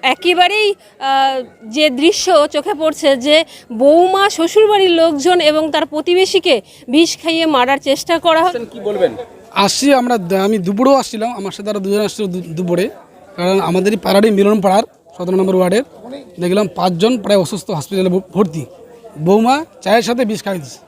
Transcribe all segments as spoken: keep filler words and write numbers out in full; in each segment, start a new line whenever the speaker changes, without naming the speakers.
একেবারেই যে দৃশ্য চোখে পড়ছে যে বৌমা শ্বশুরবাড়ির লোকজন এবং তার প্রতিবেশীকে বিষ খাইয়ে মারার চেষ্টা করা হয়।
কি বলবেন?
আসছি আমরা, আমি দুপুরেও আসছিলাম, আমার সাথে আরও দুজন আসছিল দুপুরে, কারণ আমাদেরই পাড়ারই মিলন পাড়ার সতেরো নম্বর ওয়ার্ডের দেখলাম পাঁচজন প্রায় অসুস্থ হসপিটালে ভর্তি। বৌমা চায়ের সাথে বিষ খাইয়ে দিচ্ছে।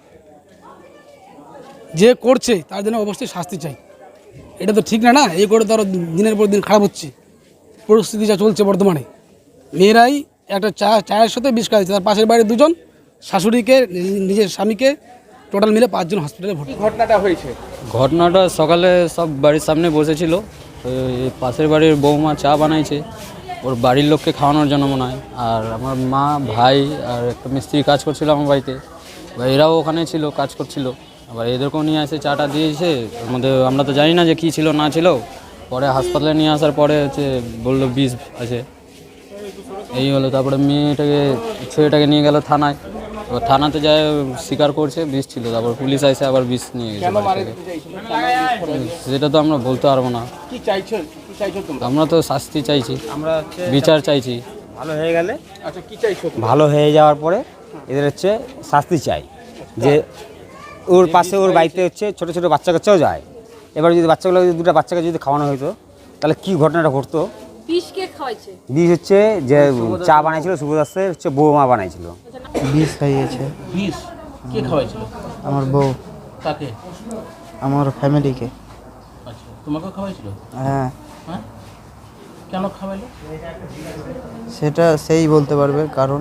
যে করছে তার জন্য অবশ্যই শাস্তি চাই। এটা তো ঠিক না না, এই করে তো আরও দিনের পর দিন খারাপ হচ্ছে পরিস্থিতি যা চলছে বর্তমানে। মেয়েরাই একটা চা চায়ের সাথে বিষ খাইছে, তার পাশের বাড়ির দুজন, শাশুড়িকে, নিজের স্বামীকে, টোটাল মিলে পাঁচজন হসপিটালে ভর্তি।
ঘটনাটা হয়েছে
ঘটনাটা সকালে সব বাড়ির সামনে বসেছিল, পাশের বাড়ির বৌমা চা বানাইছে ওর বাড়ির লোককে খাওয়ানোর জন্য মনে হয়। আর আমার মা, ভাই আর একটা মিস্ত্রি কাজ করছিল আমার বাড়িতে, এরাও ওখানে ছিল, কাজ করছিল। আবার এদেরকেও নিয়ে এসে চাটা দিয়েছে, ওর মধ্যে আমরা তো জানি না যে কী ছিল না ছিল। পরে হাসপাতালে নিয়ে আসার পরে হচ্ছে বললো বিষ আছে, এই হলো। তারপরে মেয়েটাকে, ছেলেটাকে নিয়ে গেল থানায়। এবার থানাতে যায় স্বীকার করছে বিষ ছিল। তারপর পুলিশ আসে আবার বিষ নিয়ে গেছে। সেটা তো আমরা বলতে পারবো না। আমরা তো শাস্তি চাইছি, আমরা বিচার চাইছি।
ভালো হয়ে গেলে,
আচ্ছা কি চাইছো?
ভালো হয়ে যাওয়ার পরে এদের হচ্ছে শাস্তি চাই, যে ওর পাশে ওর বাড়িতে হচ্ছে ছোটো ছোটো বাচ্চা কাচ্চাও যায়। এবার যদি বাচ্চাগুলো যদি দুটো বাচ্চাকে যদি খাওয়ানো হতো তাহলে কি ঘটনাটা ঘটতো।
বিষ কে খাওয়াইছে?
বিষ হচ্ছে যে চা বানাইছিল সুভদাসের হচ্ছে বৌমা বানাইছিল।
বিষ খাইয়েছে।
বিষ কে খাওয়াইছিল?
আমার বউ।
তাকে?
আমার ফ্যামিলিকে।
আচ্ছা, তোমাকেও খাওয়াইছিল?
হ্যাঁ।
হ্যাঁ, কেন খাওয়াইলো
সেটা সেই বলতে পারবে, কারণ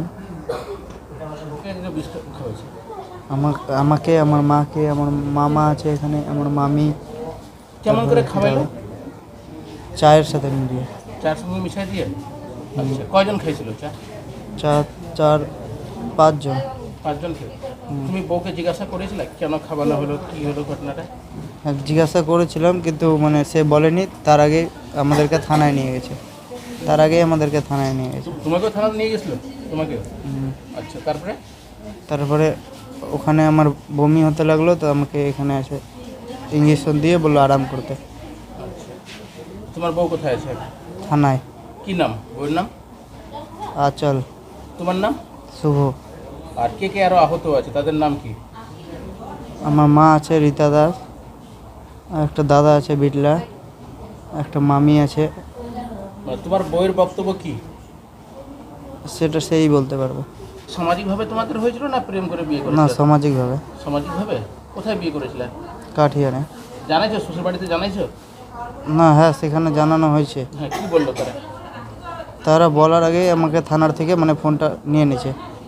বিষ খাওয়াইছে
আমাকে আমাকে আমার মাকে, আমার মামা আছে এখানে, আমার মামি।
কেমন করে খাওয়াইলো?
চায়ের সাথে মিলিয়ে।
চার সঙ্গে মিশাই দিয়ে? আচ্ছা, কয়জন খাইছিল চা?
চার চার পাঁচজন।
পাঁচজন খেয়ে? তুমি বউকে জিজ্ঞাসা করেছিলে কেন খাওয়ানো হলো, কি হলো ঘটনাটা?
হ্যাঁ, জিজ্ঞাসা করেছিলাম, কিন্তু মানে সে বলেনি। তার আগে আমাদেরকে থানায় নিয়ে গেছে তার আগে আমাদেরকে থানায় নিয়ে গেছে।
তোমাকেও থানায় নিয়ে গেছিলো? তোমাকে? আচ্ছা, তারপরে?
তারপরে ওখানে আমার বমি হতে লাগলো, তো আমাকে এখানে এসে ইঞ্জেকশন দিয়ে বললো আরাম করতে।
আচ্ছা, তোমার বউ কোথায় আছে?
থানায়।
কি নাম বউয়ের নাম?
আচল।
তোমার নাম?
শুভ।
আর কে কে আরো আহত আছে, তাদের নাম কি?
আমার মা আছে রীতা দাস, আর একটা দাদা আছে বিটলা, একটা মামি আছে।
মানে তোমার বউয়ের বক্তব্য কি?
সেটা সেই বলতে পারবে।
সামাজিকভাবে তোমাদের হয়েছিল না প্রেম করে বিয়ে
না,
করেছিলে?
সামাজিকভাবে।
সামাজিকভাবে? কোথায় বিয়ে করেছিলে?
কাঠিয়ানে।
জানাইছো শ্বশুর বাড়িতে জানাইছো?
না, হ্যাঁ সেখানে জানানো হয়েছে।
হ্যাঁ, কি বললো তারা?
তারা বলার আগেই আমাকে থানার থেকে মানে ফোনটা নিয়ে নিয়েছে।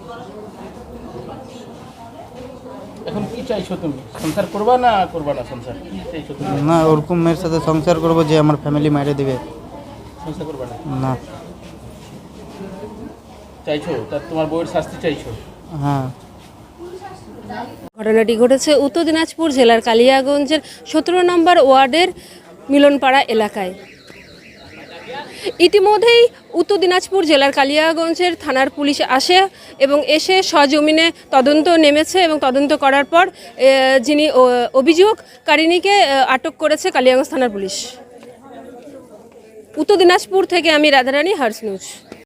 এখন কি চাইছো তুমি? সংসার করবা না করবা না সংসার? কি চাইছো তুমি?
না, ওরকম মেয়ের সাথে সংসার করবো যে আমার ফ্যামিলি মেরে দেবে?
সংসার করবা না?
না।
চাইছো তার তোমার বউয়ের শাস্তি চাইছো?
হ্যাঁ।
ঘটনাটি ঘটেছে উত্তর দিনাজপুর জেলার কালিয়াগঞ্জের সতেরো নম্বর ওয়ার্ডের মিলনপাড়া এলাকায়। ইতিমধ্যেই উত্তর দিনাজপুর জেলার কালিয়াগঞ্জের থানার পুলিশ আসে এবং এসে সজমিনে তদন্ত নেমেছে এবং তদন্ত করার পর যিনি অভিযোগকারিণীকে আটক করেছে কালিয়াগঞ্জ থানার পুলিশ। উত্তর দিনাজপুর থেকে আমি রাধারানী, হার্স নিউজ।